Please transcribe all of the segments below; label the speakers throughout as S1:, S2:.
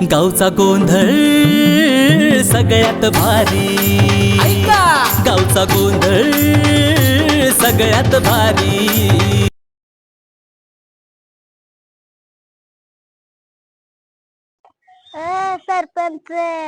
S1: गावचा गोंधळ सगळ्यात भारी, गावचा गोंधळ सगळ्यात भारी।
S2: सरपंच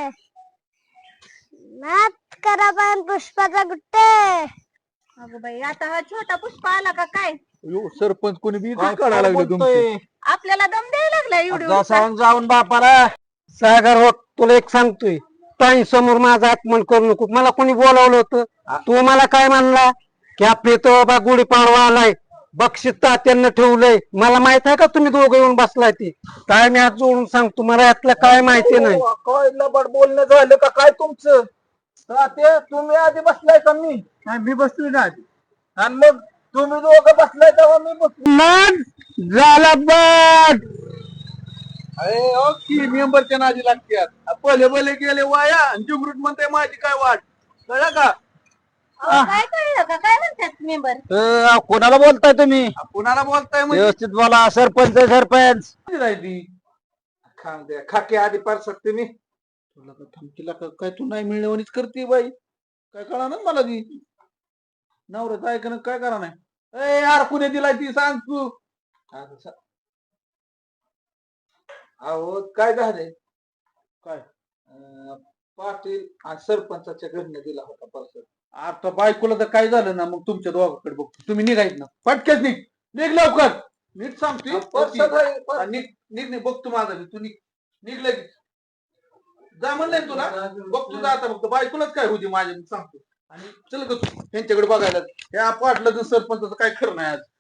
S2: नाच करा पण पुष्पाचा गुट्टे।
S3: अगं बाई, आता हा छोटा पुष्पा आला का काय?
S4: सरपंच कोणी बी काढायला लागले तुमचे।
S3: आपल्याला दम द्यायला लागला एवढी
S5: जा सांग जाऊन बापाला। सागर हो, तुला एक सांगतोय, ताई समोर माझा अपमान करू नको। मला कोणी बोलावलं होतं, तू मला काय म्हणला की आपले तो बाबा गुढीपाडवा आलाय, बक्षीस तात्यांना ठेवलंय। मला माहित आहे का तुम्ही दोघं येऊन बसलाय ती काय? मी हात जोडून सांगतो, मला यातलं काय माहिती नाही।
S4: काय लबाड बोलणं झालं का काय तुमचं? ते तुम्ही आधी बसलाय का? मी नाही, मी बसलोय ना आधी। आणि मग तुम्ही दोघं बसलाय तेव्हा मी बसलो।
S5: मग झाला बघ,
S4: अरे ओ की मेंबरच्या नादी लागतात, पहिले भले गेले वाया आणि जुगरूट म्हणते माझी काय वाट, कळलं का?
S3: काय कळलं का? काय म्हणतात मेंबर?
S5: कोणाला बोलताय तुम्ही?
S4: कुणाला बोलताय म्हणजे?
S5: व्यवस्थित बोला। सरपंच सरपंच
S4: राहिली खांब द्या खाके आधी पार शकते मी तुला का थमकीला काय तू नाही मिळवणीच करते बाई, काय कळा ना मला ती नवऱ्याचं ऐकणं काय करा नाही। ए यार कुणी दिलाय ती सांग तू। अहो काय झालंय काय? पाटील आणि सरपंचाच्या घरने दिला होता पर्स। आता बायकोला तर काय झालं ना, मग तुमच्या दोघांकडे बघतो, तुम्ही निघायच ना, पटकेच निघ लवकर, नीट सांगते। निघ बघतो माझा मी, तू निघलं की जा म्हणलंय तुला, बघतो जा आता, फक्त बायकोलाच काय होती माझ्या, मी सांगतो। आणि चल ग त्यांच्याकडे बघायला, ह्या पाटलं सरपंचाचं काय खरं नाही आज।